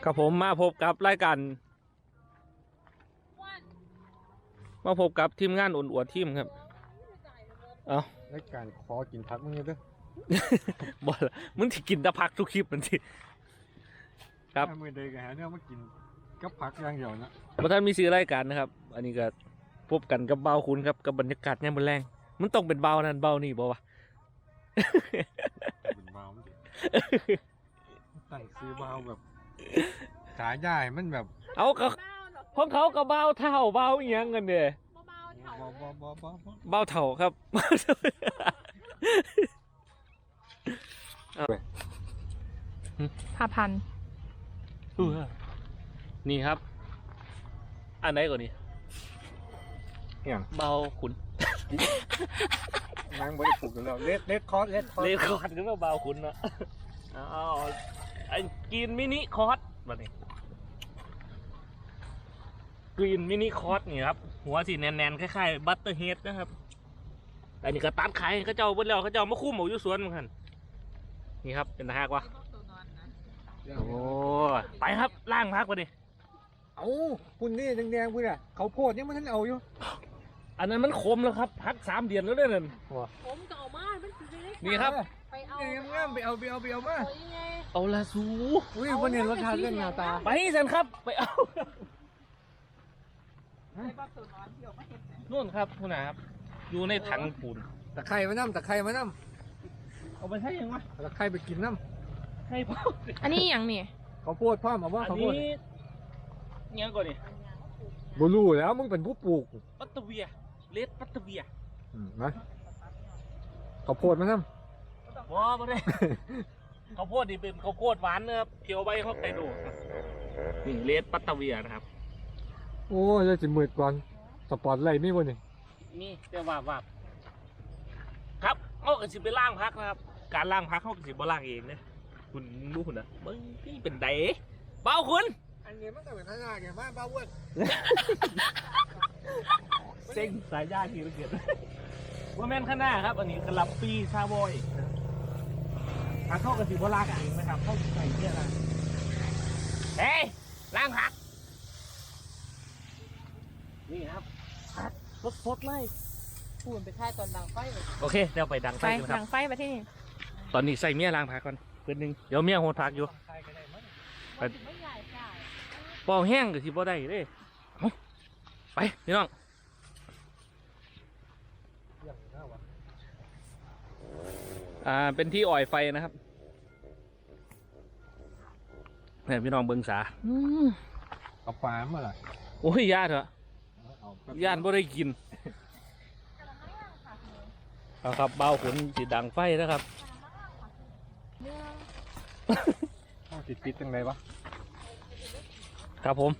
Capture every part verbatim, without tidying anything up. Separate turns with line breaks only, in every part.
ครับผมมาพบกับรายการมาพบกับทีมงานอุ่นอวดทีมครับเอา
รายการขอกินพักมึงเด้อ
บอลมึงที่กินตะพักทุกคลิปมันสิครับ
มือเดยกันฮะเนี่ยมากินกับผักอย่างเดียวนะ
พระท่านมีซื้อรายการนะครับ อันนี้ก็พบกันกับเบาคุณครับกับบรรยากาศเนี่ยมันแรงมันต้องเป็นเบานั่นเบานี่บอกว่า
เป็นเบาไม่ได้ตั้งซื้อเบาแบบขาใหญ่มันแบบ
เอาก็ของเขากับเบาเท่าเบาเอียงกันเด้
เบาเบาเบาเบา
เบาเท่าครับ
ห้าพัน
นี่ครับ อันไหนก่อนนี่
อย่าง
เบาขุน
นั่งบริสุทธิ์แล้วเล็ดเล็ดคอร์สเล็ดคอร์ส
เลคอร์ดก็มาเบาขุนนะเอาไอ้กินมินิคอร์สมาเนี่ยกรีนมินิคอร์สนี่ครับหัวสีแน่นๆคล้ายๆบัตเตอร์เฮดนะครับแต่นี่ก็ตัดไข่เขาเจ้าเบิ้ลแล้วเขาเจ้ามาคู่หมูอยู่สวนเหมือนกันนี่ครับเป็นตาหักวะโอ้ไปครับล่างพักมาดิ
เอาคุณนี่แดงๆคุณอ่ะเขาโพดยังมันท่านเอาอยู่
อันนั้นมันคมแล้วครับพักสามเดือนแล้วเนี่ยนั่น
ผมเก่ามากมันคือได้
นี่ครับ
ไปเอา
งามๆไปเอาไปเอาไปเอามา
เอาละสู
อุ้ยวันนี้รสชาติเรื่องหน้าตา
ไปสันครับไปเอานู่นครับคุณนะครับอยู่ในถังปูน
ตะไคร้มาน้ำตะไคร้มาน้
เอาไปใช้ยังวะ
ำตะไคร้ไปกินน้
ให้พ่อ
อันนี้อย่างนี่
ำเขาโพดพ่อมาว่า
อัน
เขาโพ
นี้
ด
ยังก่อนนี่
บูรูแล้วมึงเป็นผู้ปลูก
ปัตเตอร์เวียเลดปัตเตอร์เวีย
นะเขาโพดมาน้
ว้าไม่ได้ ข้าวโพดนี่เป็นข้าวโพดหวานนะครับเคี่ยวใบเขาไปดูนี่เลดปัตเตอร์เวียนะครับ
ำโอ้ยจะมืดก่อนสปอร์ตไลท์ไม่วันนี้
นี่แต่ว่าว่าครับเขาก็สิไปล่างพักนะครับ การล่างพักเขาก็สิบ่ล่างเองนะคุณรู้คุณนะมึงนี่เป็นไดเบาคุณ
อันนี้มันก็เป็นท่าไงบ้านบ้าอ้วน
เซ็งสายญาติที่เราเกิดว่าแม่นข้างหน้าครับ อันนี้กระลับปีชาบอยพักเข้ากับสิบ่ล่างเองนะครับเข้าใส่เนี่ยนะเฮ้ยล่างพักนี่ครับพักสดๆเลย
ปูนไปค่ายตอนดังไฟ
โอเคเดี๋ยวไปดังไฟ
ไป
กันครั
ดั
บ
งไฟไปที่นี่
ตอนนี้ใส่เมียล้างผักก่อนเพื่อนหนึงเดี๋ยวเมียโหดผักอยู่ ไป
ไม่ใหญ่ใช่
ปอกแห้งกับที่บ่ได้เด้เอาไปพี่น้องอ่าเป็นที่อ่อยไฟนะครับเนี่ยพี่น้องเบิงสาอืม
กับปลาเมื่อไหร่
โอ้ยญาติเหรอญาติบ่ได้กินเอาครับเบาขนสีดังไฟนะครับ
ต้องติดติดจังไรวะ
ครับผม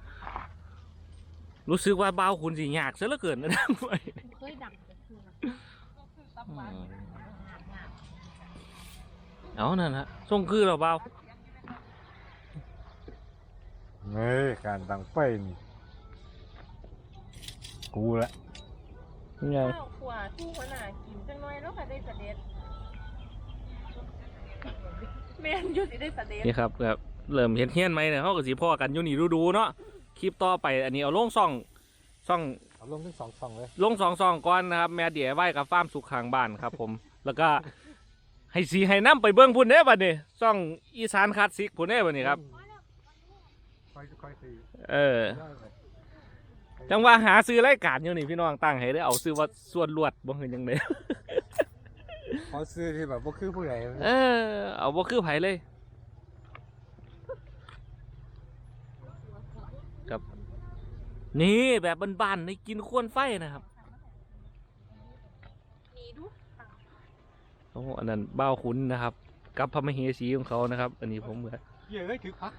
รู้สึกว่าเบาขุนสียากซะเหลือเกินนะ
เคยดังแต่คือ
เอานั่นฮะส่งคือเราเบา
เฮ้ยการดังไฟนี่กูละ
นี่ไง
ข้าวขวาทู่ขนาดกินจังน้อยแล้วค่ะได้สเด็ดแม่นยุติได้สเด็ด
นี่ครับแบบเริ่มเห็นเฮี้ยนไหมเนี่ยเขาก็สีพ่อกันอยู่นี่ดูดูๆเนาะคลิปต่อไปอันนี้เอาลงซ่องซ่อง
เอาลงทั้งสองสองเลย
ลงสองซองก่อนนะครับ แม่เดี๋ยวไหว้กับฟาร์มสุขข้างบ้านครับผม แล้วก็ให้สีให้น้ำไปเบิ้งพุ่นเด้บัดนี้ซ่องอีสานคลาสสิกพุ่นเด้บัดนี้ครับ
ค่อยค่อยตี
เออจังว่าหาซื้อรายการอยู่นี่พี่น้องตั้งให้ได้เอาซื้อว่าส่วนลวดบ่เห็นยังไง
ขอซื้อที่แบบว่าคือผู้ใหญ่
เออเอาบ่คือไผเลยครับนี่แบบบ้านๆในกินควนไฟนะครับ
นี่ดู
โอ้อันนั้นบ้าวขุนนะครับ กับพระมเหสีของเขานะครับ อันนี้ผมเหมือน
เยอะเลยถือพัก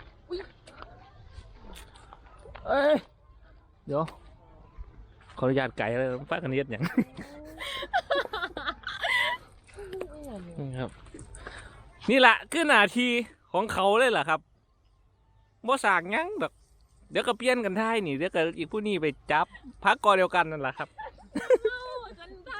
เอ้ยเดี๋ยวขออนุญาตไก่เลยฟ้ากันเย็ดอย่าง ครับนี่แหละคือหน้าที่ของเขาเลยแหละครับบ่สากยั้งดอกเดี๋ยวก็เปลี่ยนกันท้ายนี่เดี๋ยวก็อีกผู้นี้ไปจับพักกอเดียวกันนั่นแหละครับ
กันได้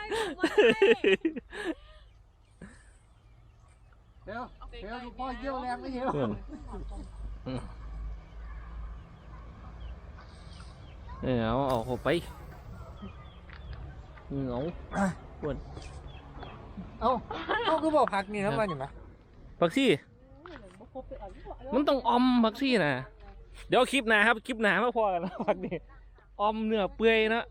เดี๋ยวเดี๋ยวพ่อเยี่ยวแรงไม่เห็นหรอก
เออเอาเอาเข้าไปเหงาปวด
เอ้าเอ้าคือบอกพักนี่ครับว่าอย่างไร
ผักซี่มันต้องออมผักซี่นะเดี๋ยวคลิปหน้าครับคลิปหน้ามาพอกันนะผักนี่ออมเนื้อเปื่อยนะ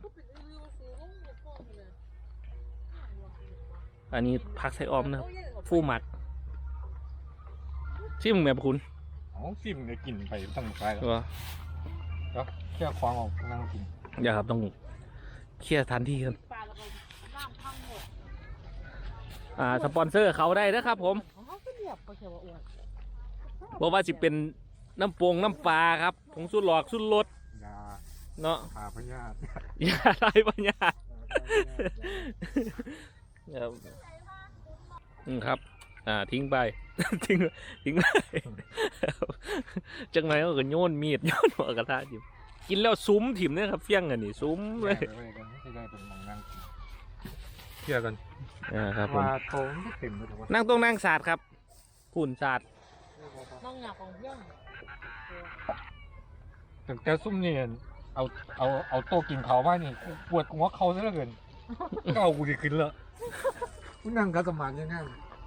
อันนี้ผักใส่ออมนะครับฟูหมักชิมแบบคุณ
อ๋อฟิล์มเนี่ยกินไปตั้งไปแล้ว
ตัว
แล้วแค่ควางออกนั่งกิน
อย่าครับต้องเคลียร์ทันทีกันอ่าสปอนเซอร์เขาได้นะครับผมบอกว่าจะเป็นน้ำปงน้ำปลาครับผงสุดหลอกสุดรส
ยา
เนาะ
พาพยาธิ
อย่าไรปัญญาครับอืมครับ อ่าทิ้งไป ทิ้งทิ้งไปจังไรก็โยนมีดโยนหัวกระทะจิมกินแล้วซุ้มถิ่มเนี่ยครับเฟี้ยงอันนี้ซุ้มเลย
ไปกันไม่ได้เป็นมองนั่งกินเที่ยวกัน
อ่าครับผม
ว่าโถงไม่เต็มเลยแต่ว่า
นั่งตรงนั่งศาสตร์ครับฝุ่นศาสตร์
น้องหนักของเพื่อน
แต่แต่ซุ่มนี่เอาเอาเอาโต๊ะกินเขาว่านี่กูปวดหัวเขาซะเหลือเกินก็เอากูดีขึ้นเลยกูนั่งกัสมานยังไง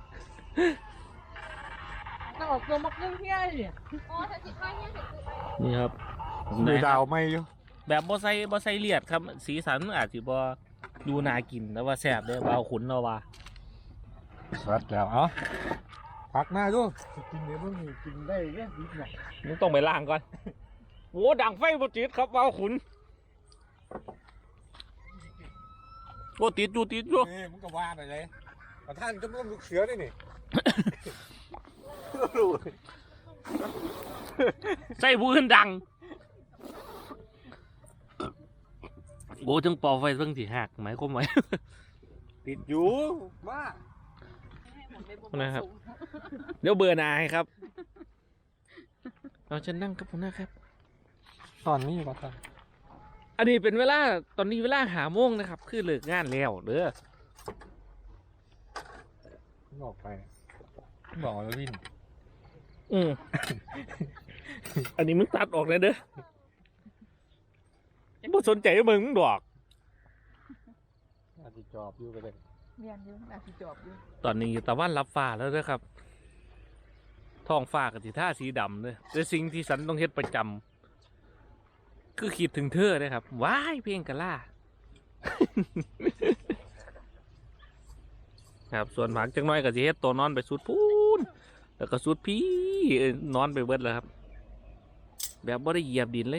น้องออกตัวมักเรื่องเที่ยเลยอ๋อถ้าสิบห้าเนี่ยคือ
นี่ครับ
ดูดาวไม่อยู่
แบบบ่ใส่บ่ใส่เลียดครับ สีสันมันอาจจะบ่ดูน่ากินแล้วว่าแซ่บเด้อบ่เอาขุนเราว่า
สัดแล้วเอ้าพักหน้าด้วยกินเดี๋ยวมึงกินได้เนี่ยดิบหน่อย
มึงต้องไปล้างก่อนโอ้ดังไฟบ่ติดครับบ่เอาขุนโอ้ติดอยู่ติดอยู่
นี่มึงก็ว่าไปเลยประธานจะต้องลูกเสือได้นี่
ใส่ผู้อื่นดังโอ้ถึงเป่าไฟเพิ่งสิหักหมายความว่า
ติดอยู่ว่า
นะครับ เดี๋ยวเบื่อหน่ายครับเราจะนั่งกับผมนะครับ
ตอนนี้ประธาน
อันนี้เป็นเวลาตอนนี้เวลาหาโมงนะครับ คือเลิกงานแล้วเด้อ
บอกไปบอกแล้ววิน
อืม อันนี้มึงตัดออกเลยเด้อบ่สนใจมึงมึงดอก
อาจจะจอบอยู่ไปเลย
เรียนอยู่น่าสิจบอยู่
ตอนนี้ตะวันรับฟ้าแล้วเด้อครับ ท้องฟ้ากับสีท่าสีดำเลยแต่สิ่งที่ฉันต้องเฮ็ดประจำคือคิดถึงเธอเลยครับว้ายเพลงกะล่า ครับส่วนผักจังน้อยก็สิเฮ็ดตัวนอนไปสุดพูนแล้วก็สุดพี่เอ้ยนอนไปเบิดแล้วครับ แบบบ่ได้เหยียบดินเลย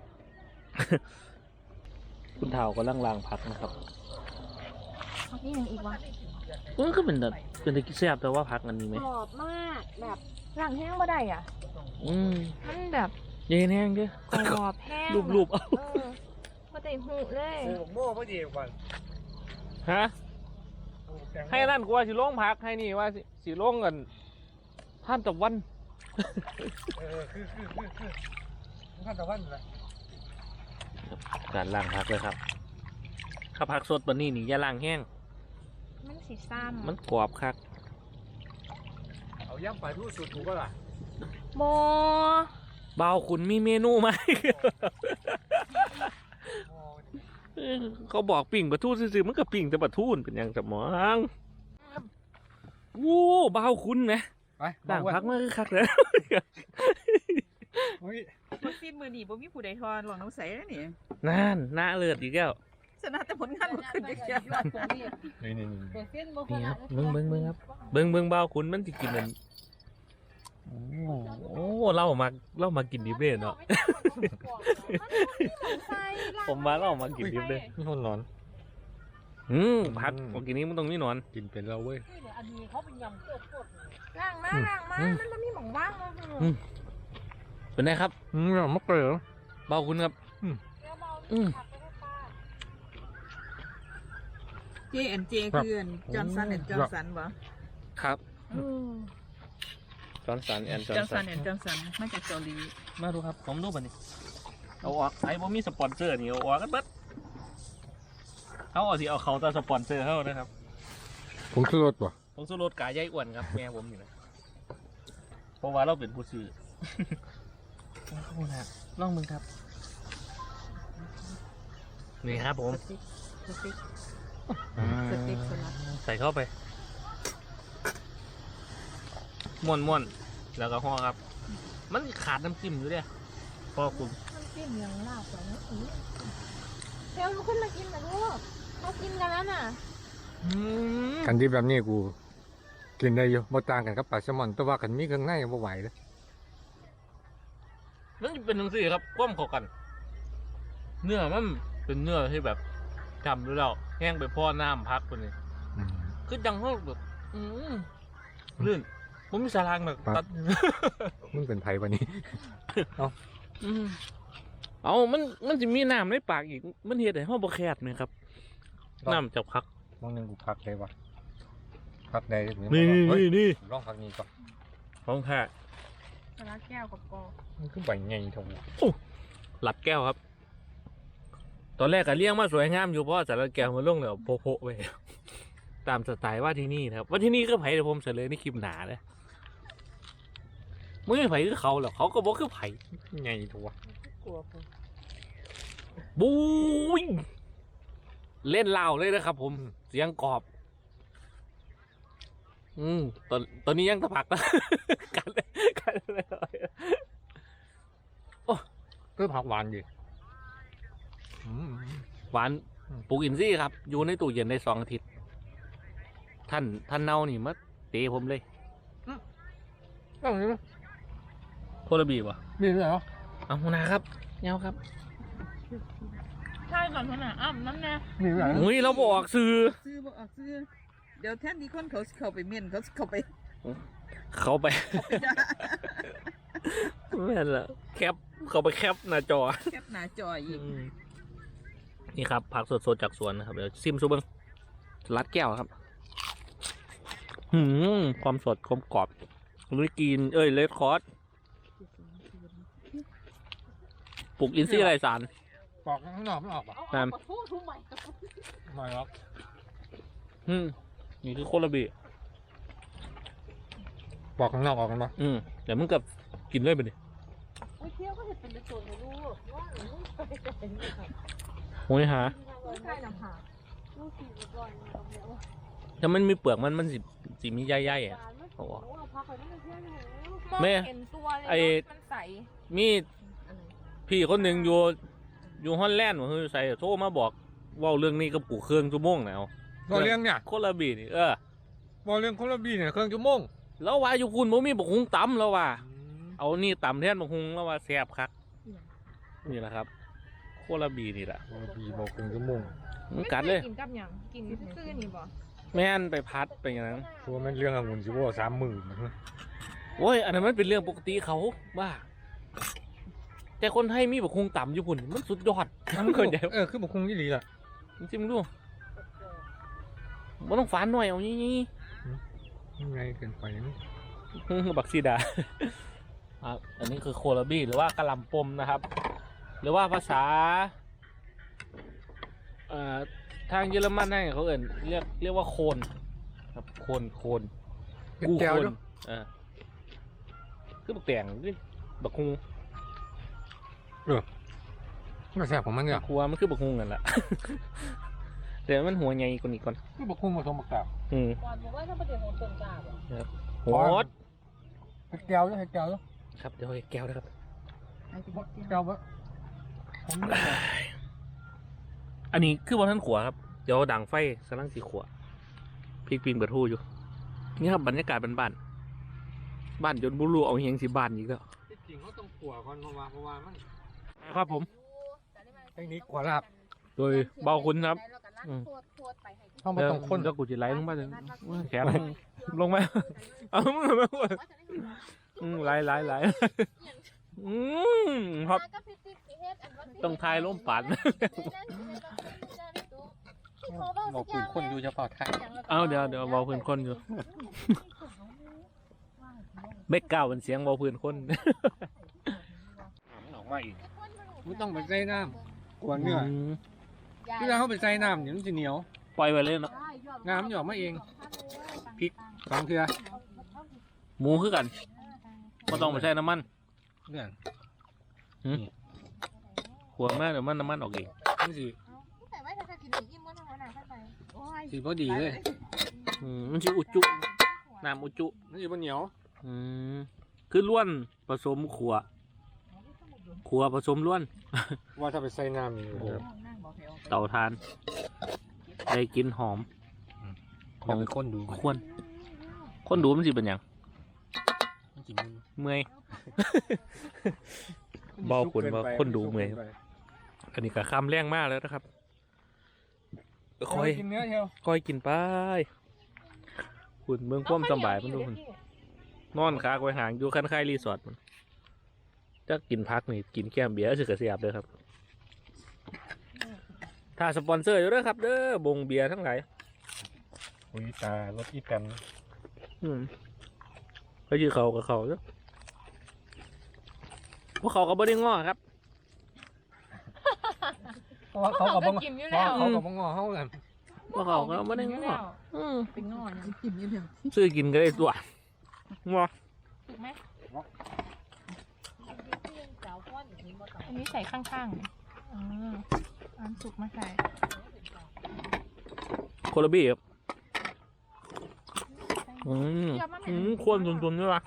คุณเฒ่าก็ล่างลางผักนะครับ
นี่ยังอีกวะ
เออก็เป็นแบบเป็นตะกี้แซ่บแต่ว่าผักอันนี้ไหม
กรอบมากแบบร่างแห้งบ่ได้อ่ะ
อืม
มันแบบ
เย็นแห้งเด้อก
รอบแห้ง
รูปๆเอา
เออบ่ได้หูเลย
โอ้โม่พอดีก่อน
ฮะให้นั่นกูว่าสิลงผักให้นี่ว่าสิสิลงกันท่านตะวัน
เออคือคือคือคือมันขั้นตะวันเลย
การล้างผักเลยครับข้าผักสดปานนี้นี่อย่าล้างแห้ง
มันสีซ้ำ
มันกรอบคัก
เอาย่ำปลาทูสุดถูกก็ล่ะ
โม
เบาคุณมีเมนูไหม เออเขาบอกปิ่งปลาทูซื่อๆมันก็ปิ่งแต่ปลาทูนเป็นอย่างสมองวู้เบาคุณนะ
ไป
ล้างผักมันคือคักเลย
เฮ้ย
วัคซีนมือหนีบ่มีผู้ใดทอนหลวงน้องใสแล้วนี่
นั่นหน้าเลือดอีกแล้ว
ชนะแต่ผลงานบ่ขึ้นจักเที่ย
นี่นี่นี่
นี่ครับเบิ้งเบิ้งเบิ้งครับเบิ้งเบิ้งเบาคุณมันจะกินมันโอ้โอ้เล่ามาเล่ามากินดิบเลยเนาะ ผมมาเล่ามากินดิบเลย
นี่คนร้อน
อืมผักของกินนี้มันตรงนี้นอน
กินเป็นเราเว้ย
ล่างมาล่างมามันบ่มีหม่องว่างเลย
อืม เป็นไงครับ
อืมเราไม่เกลือ
เบาคุณครับ อืม
เจแอนเจคืออันจอห์นสันแอนด์จอห์นสันบ่
ครับจอห์นสันแอนจอ
จ
ห์
อน ห์น
สั
สั
น
นแอนด์จอห์นสันมาจากเกาหลี
มาดูครับผมดูบันนี้เอาออกไอ้บ่มีสปอนเซอร์นี่เอาออกกันเบิดเขาเอาสิเอาเขาแต่สปอนเซอร์เขานะครับ
ผมคือรถป่ะ
ผมสู้รถกายใหญ่อ้วนครับแม่ผมนี่นะเพราะว่าเราเป็นผู้ซื้อ ขอบคุณครับลองมึงครับนี่ครับผม
สติ๊กสติ๊ก
อืม
สเต็กสลัด
ใส่เข้าไปม้วนม้วนแล้วก็ห่อครับ มันขาดน้ำจิ้มอยู่เนี่ยพอคุณ
น้ำจิ้มยังลาบกว่านี้อีกเดี๋ยวลุกขึ้นมากินนะลูกเขากินกันแล้วน่ะ
อืม
กันที่แบบนี้กู กินได้อยู่บ่ต่างกันกับปลาแซลมอนแต่ว่ากันมีเครื่องในบ่ไหวเลย
นั่นจะเป็นหนังสือครับคว่ำเข้ากัน เนื้อมันเป็นเนื้อที่แบบจำดูแล้วแห้งไปพ่อน้ำพักคนนี้
อืม
คือดังเขาแบบ อืมลื่นผมมีสารางแบบ
ครับ
ตัด
มึงเป็นไผวันนี้
อืมเอามันมันจะมีน้ำในปากอีก มันเห็ดให้ห้องบะแคดไหมครับ น้ำจากพัก
มองหนึงกูพักได้วะพักได้หรือ
นี่
บ่
นี่
เฮ้ย
นี่นี่
ลองพักนี้ก่อน
ของแท้
สลัดแก้วกับกอ
มันคือใบใหญ่เท่าหัว
หลัดแก้วครับ ตอนแรกก็เลี้ยงมาสวยงามอยู่เพราะสารแก้วมันลงแล้วโพะๆไป ตามสไตล์ว่าที่นี่นะครับ ว่าที่นี่ก็ไผ่เดี๋ยวผมเสนอในคลิปหนาเลยมึงไม่ไผ่คือเขาหรอกเขาก็บอกคือไผ่
ใหญ่เท่าหัว
กลัวผม
บูยเล่นเล่าวเลยนะครับ ผมเสียงกรอบ อืมตอนตอนนี้ยังตะผักนะ กันเลยกันเลย
คือผักหวานดีอืม
หวานปลูกอินทรีย์ครับ อยู่ในตู้เย็นได้สองอาทิตย์ ท่านท่านเน่านี่มาเตะผมเลย
ต้องนี้
โคลบีบ่
มีด้วยเหรอ
เอาหัวหนาครับเงาครับ
ใช่ก่อนเท่านั้นอ้ำน้ำแน่
มีด้วยเหรอ
อุ้ยเราบอกซื้อ
ซื้อบอกออกซื้อเดี๋ยวแทนที่คนเขาสิเข้าไปเม่นเขาสิเข้าไป
เขาไป ไม่นละแคปเขาไปแคปหน้าจอ
แคปหน้าจออีก
นี่ครับผักสดๆจากสวนนะครับเดี๋ยวซิมซูเบิงสลัดแก้วครับ หืมความสดความกรอบลุยกิน เอ้ยเลดคอร์สปลูกอินทรีย์ไรสาร
ปอกข้างนอกไม่ออกป่ะ
เอา
นั่
เอา
น
ขอโทษทุกใหม่
ไม่หรอก
อืมนี่คือโคลาบี
ปอกข้างนอกออกกันป่ะ
อืมเดี๋ยวมึงกับกินเลยไปดิ
ไปเที่ยวก็จะเป็นตัวในลูกว่าหนูไม่ไปจะเป็นยังไง
โอ้ยหา
ลูกชายนำหาลูกสี่ก่อนเอาเดี๋ยว
ถ้ามันมีเปลือกมันมันสิสิมีใยๆอ่ะ
โอ้โหพักไปนั่นเที่ยวหนู
แม่
เห็นตัวเลย
ไอ้
มันใส
มีพี่คนหนึ่งอยู่อยู่ฮอลแลนด์ว่าเฮ้ยใส่โทรมาบอกเว่าเรื่องนี้กับกูเครื่องชั่วโมงแล้ว
บอเลี้ยงเนี่ย
โคลาบีนี่เออบ
อเลี้ยงโคลาบีเนี่ยเครื่องชั่วโมง
แล้วว่าอยู่คุณบ่มีบักฮุงตำแล้วว่า เอานี่ตำแทนบักฮุงแล้วว่าแซ่บคักนี่แหละครับ โคลาบีนี่แหละ
โคลาบีบอกเครื่องชั่วโมง
มันกัดเลย
กินกับหยังกินซื่อๆนี่บ่
แม่นไปพัดไปอย่างนั้น
เพราะว่ามันเรื่ององุ่นสิว่าสามหมื่น
โอ้ยอันนั้นมันเป็นเรื่องปกติเขาบ้าแต่คนไทยมีบักฮุงตำอยู่พุ่นมันสุดยอดมันเข้าใจ
เออคือบอกคงยี่หลีล่ะ
จริงๆดูมันต้องฝานหน่อยเอานี่
ยังไงเกินไปนี่
บักซีดา อ่ะอันนี้คือโคลาบีหรือว่ากะหล่ำปมนะครับ หรือว่าภาษาเอ่อทางเยอรมันนั่นเขาเอ่นเรียกเรียกว่าโคนครับโคนโคน
เป็น
กู
แก้ว
โคน
ด้วย
เออคือบักแตงนี่บักฮุง
มันแสบของมันเนี่ย
ครัวมันคือบักฮุงนั่นแหละ แต่มันหัวใหญ่กว่านี้ก่อน
คือบอกคงผสมบักกาบ
อืม
ก่อนบอกว่าถ้าประเดี๋ยวหนูเปิดกาบอ่ะ
โหด
เฮ็ดแก้วด้วยเฮ็ดแก้วด้วย
ครับเดี๋ยวให้แก้วนะครับ
ไอ้ที่
แก้ววะผม
อันนี้คือบอลท่านขัวครับ เดี๋ยวดังไฟกำลังสีขัวพริกปีนเบิดหูอยู่ นี่ครับบรรยากาศบ้านๆบ้านจนบุรุเอาเฮียงสีบ้านอีกแล้ว
จริงเขาต้องขัวก่อนเพราะว่าเพราะว่ามัน
ครับผม
เทคนิคขัวลาบ
โดยเบาคุณครับ อืม
ต้องมาต้องคน
แล้วกูจะไล่ลงมาเลยแขนลงมา เอามึงมาพูดอืมไล่ไล่ไล่อืมครับ ต้องทายล้มปัด
บอกคุยคนอยู่เฉพาะไทย
เอาเดี๋ยวเดี๋ยวเบาพื้นคนอยู่ เบกเก้าเป็นเสียงเบาพื้นคน
มันออกมาอีกไม่ต้องไปใส่น้ำกวนเนื้อที่เราเข้าไปใส่น้ำเดี๋ยวมันจะเหนียว
ปล่อยไปเลยเนาะ
น้ำมันจะออกมาเองพริกสองเทือ
หมูคือกันก็ต้องไปใช้น้ำมัน
เนี่ย
ขวดมากเดี๋ยวมันน้ำมันออกเอง
มันสิสีพอดีเลย
อืมมันชื่ออุจุน้ำอุจุ
นี่มันเหนียว
อืมคือล้วนผสมขัวขัวผสมล้วน
ว่าถ้าไปใส่น้ำนี่
โอ้ เตาทานได้กลินหอม
ลองไปค้นดู
ควรคนดูมันสิเป็นหยัง
มันกิน
เมื่อย เบาขุนว่าคนดูเมื่อย อันนี้ก็คำแรงมากแล้วนะครับ
ค
ค
อ
อย ย
กินเนื้อเชียว
คอยกินไปคุณเมืองความสำบายมันดูคุณนอนคากไว้ห่างอยู่คันคายรีสอร์ทมันจะกินพักนี่กินแก้มเบียร์สึกกระเสียบเลยครับ ถ้าสปอนเซอร์อยู่ด้วยครับเด้อบงเบียร์ทั้งหลาย
อุ้ยตารถอีแตน
อืมเขาชื่อเขากับเขาเนาะพวกเขาก็บ่ได้ง้อครับ
เพราะว่าเขากับบัง
กินอยู่
เพ
แล้
ราะ
ว
เขากับบังงอเขากัน
พวกเขาก็บ่ได้ง้ออืม
เป็นง่อยกินอยี่เดียว
ซื้อกินก็ได้ตัวง้อ
ถูกไหมอันนี้ใส่ข้างๆอ่าอันสุกมาใส่
โคลาบี้ครับอืมอืมควรตุนๆด้วยวะ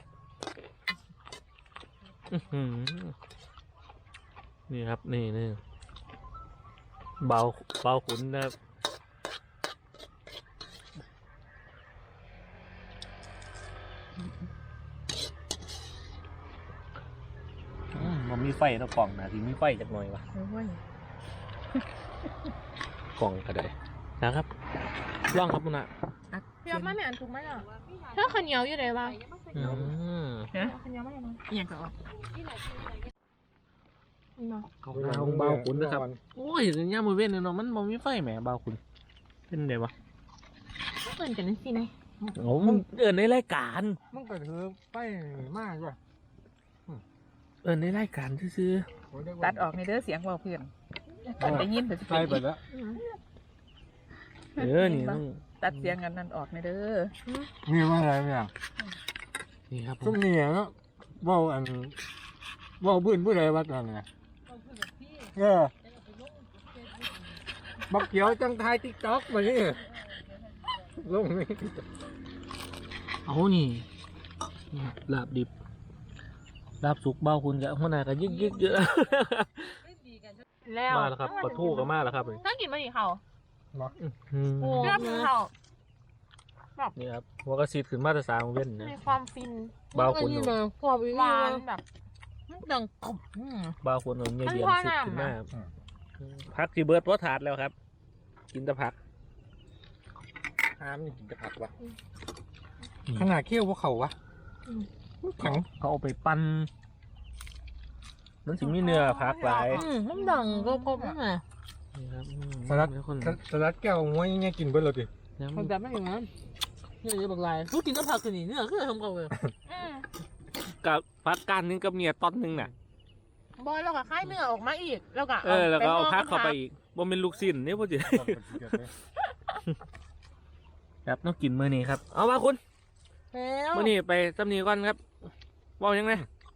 อื้อหือนี่ครับนี่นี่เบาเบาขุนนะครับอืมมันมีไฟนะกล่องนะที่มีไฟจักหน่อยวะ
โอ้ย
กล่องก็ได้นะครับล่องครับมุนะ
อัก
เดี๋ยวมาแม่อันถูกไหมอ่ะถ้าข้าวเหนียวอยู่ไหนวะ
อืม
ฮะ
ข้าวเหนียวไม่ได้นะ
อหย่างก็ออก
นี่เนาะ
เบาขุนนะครับโอ้ยย่ามือเว้นเนาะมันมันมีไฟแหมเบาขุนเป็นไงวะ
เปิดกันนั่นสินะ
โอ้มันเอินในรายการ
มันก็ถือไปมากว่ะ
เอินในรายการซื้อ
ตัดออกในเด้อเสียงเบาเพื่อนตัดได้ยินแต่สิ
ใช่ไปแล้ว
ๆเออนี่ต้อง
ตัดเสียงกันนั่นออกในเด้อ
มีว่าอะไรเนี่ย
นี่ครับผ
ซุ้
ม
มเนี่ยเนาะว่าอันว่าบื้นบื้นอะไรวะตอนนี้เออบักเขียวจังไทยติ๊กต็อกมานี่ลงนี่
เอานี่นี่ลาบดิบลาบสุกเบาคุณกับหัวหน้ากันยึกยึกเยอะ
แล้ว
มาแล้วครับปลาทูก็มาแล้วครับ
ถ้ากินมาดิเขา
อืม
โอ้เนื้อเขา
นี่ครับหัวกระสีขึ้นมาตรสามเว้นนะ
มีความฟิน
เบาคุณ
ความหวานแบบดังกบ
เบาคุณเอาเงี้ยเดียม
มันพอ
สิขึ้นมา
น้ำอะ
ครับพักที่เบิร์ดว่าถาดแล้วครับ กินแต่ผัก
อ้ามนี่กินจะผักวะขนาดเคี้ยวพวกเขาวะแข็ง
เขาเอาไปปั้นมันถึงมีเนื้อผักหลาย
อืมมันดังกบกบนั่นไง
นี่ครับอืม
สลัด
มีคน
สลัดแก้วม้วยเงี้ยกินเบิ้ลเลยดิ
ยัง
มันแบบไม่อย่างนั้นนี่จะบอกลายรู้กินก็ผักกันนี่เนื้อคือทำเขาเลย
กับผักการนึงกับเมียตอนนึงน่ะ
บอยเราก็คล้ายเนื้อออกมาอีกแล้วก็
เออแล้วก็เอาพักเข้าไปอีกบ่เป็นลูกสิ้นนี่พ่อจีครับต้องกินมื้อนี้ครับ เอามาคุณ
แล้ว
มื้อนี้ไปสำนีก่อนครับบอกยังไง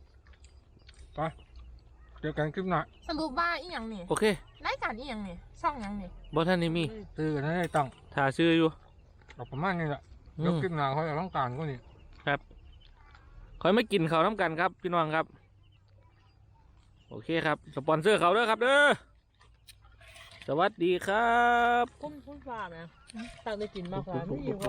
เจอกันคลิปหน้า
สรุปว่าอีหยังนี่
โอเค
รายการอีหยังนี่ช่องหยังนี่
บ่ท่านนี่มี
ซื้อกันได้ตังค์
ถ้าซื้ออยู่
เราประมาณนี้แหละ
อื
เดี๋ยว
ม
คลิปหน้าเขาจะต้องการก็นี่
ครับคอยไม่กินเขาวน้ำกันครับ พี่น้องครับ โอเคครับ สปอนเซอร์เขาเด้อครับเด้อสวัสดีครับ
คุ้มคุ้มฟ้าไหมตักได้กินมากกว่าไม่อยู่